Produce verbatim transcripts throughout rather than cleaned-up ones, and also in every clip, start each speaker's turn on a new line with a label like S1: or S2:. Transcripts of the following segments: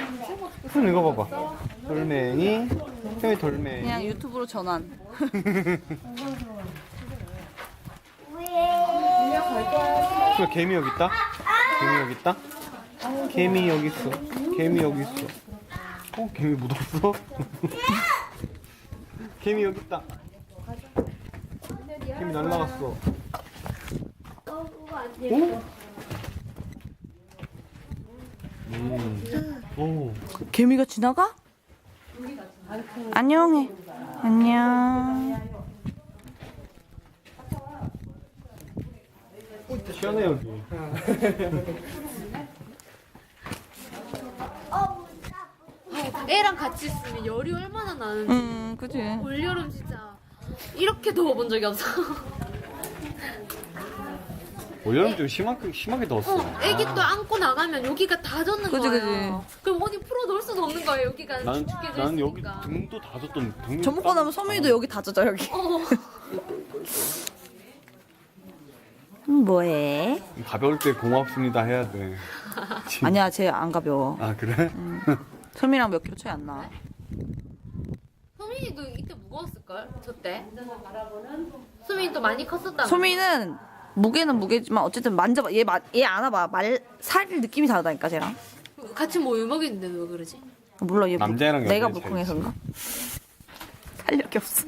S1: 손 이거 봐봐. 돌멩이. 형이 돌멩이.
S2: 그냥 유튜브로 전환.
S1: 그 개미 여기 있다. 개미 여기 있다. 개미 여기 있어. 개미 여기 있어. 어, 개미 묻었어? 개미 여기 있다. 개미 날라갔어. 오? 음. 오.
S2: 개미가 지나가? 안녕해. 안녕.
S1: 시원해 여기.
S3: 애랑 같이 있으면 열이 얼마나 나는지.
S2: 음, 그치.
S3: 올여름 진짜 이렇게 더워본 적이 없어.
S1: 올여름 좀 심하게 심하게 더웠어.
S3: 어, 애기 또 안고 나가면 여기가 다 젖는
S2: 그치,
S3: 거예요. 그럼 어디 풀어 놓을 수도 없는 거예요. 여기가
S1: 나는
S3: 죽게 돼
S1: 나는 여기
S3: 있으니까.
S1: 등도 다 젖던 등.
S2: 저 먹고 나면 소민이도 여기 다 젖어, 여기.
S3: 어.
S2: 음, 뭐해?
S1: 가벼울 때 고맙습니다 해야 돼.
S2: 아니야, 쟤 안 가벼워.
S1: 아 그래?
S2: 소민이랑 몇 킬로 차이 안 나.
S3: 소민이도 이때 무거웠을걸? 저 때. 소민이 또 많이 컸었다.
S2: 소민이는 무게는 무게지만 어쨌든 만져봐. 얘, 마- 얘 안아봐. 말, 살 느낌이 다르다니까, 쟤랑.
S3: 같이 모유 먹였는데 왜 그러지?
S2: 몰라, 얘 물-
S1: 남자애랑
S2: 내가
S1: 여자애
S2: 물컹해서인가? 살력이 없어.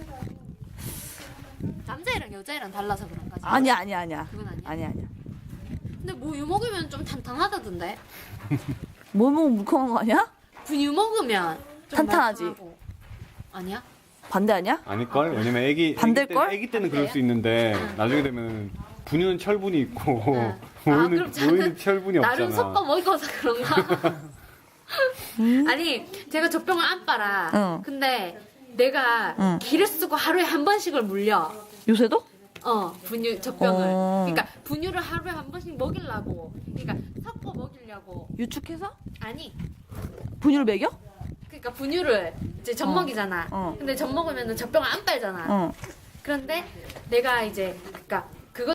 S3: 남자애랑 여자애랑 달라서 그런가?
S2: 아니야, 아니야, 아니야.
S3: 그건 아니야?
S2: 아니야, 아니야.
S3: 근데 모유 먹으면 좀 탄탄하다던데?
S2: 뭐 먹으면 물컹한 거 아니야?
S3: 분유 먹으면 좀
S2: 탄탄하지.
S3: 말캉하고. 아니야?
S2: 반대 아니야?
S1: 아닐걸? 왜냐면 애기
S2: 반댈걸?
S1: 애기, 때, 애기 때는 그럴 수 있는데 나중에 되면 분유는 철분이 있고
S3: 응.
S1: 모유는
S3: 아, 그럼 저는
S1: 모유는 철분이
S3: 나름
S1: 없잖아.
S3: 섞어 먹어서 그런가? 아니 제가 젖병을 안 빨아.
S2: 응.
S3: 근데 내가
S2: 응.
S3: 기를 쓰고 하루에 한 번씩을 물려.
S2: 요새도?
S3: 어 분유 젖병을.
S2: 어.
S3: 그러니까 분유를 하루에 한 번씩 먹이려고. 그러니까 섞어 먹이려고.
S2: 유축해서?
S3: 아니.
S2: 분유를 먹여?
S3: 그러니까 분유를 이제 젖
S2: 어.
S3: 먹이잖아.
S2: 어.
S3: 근데 젖 먹으면은 젖병을 안 빨잖아.
S2: 어.
S3: 그런데 내가 이제 그러니까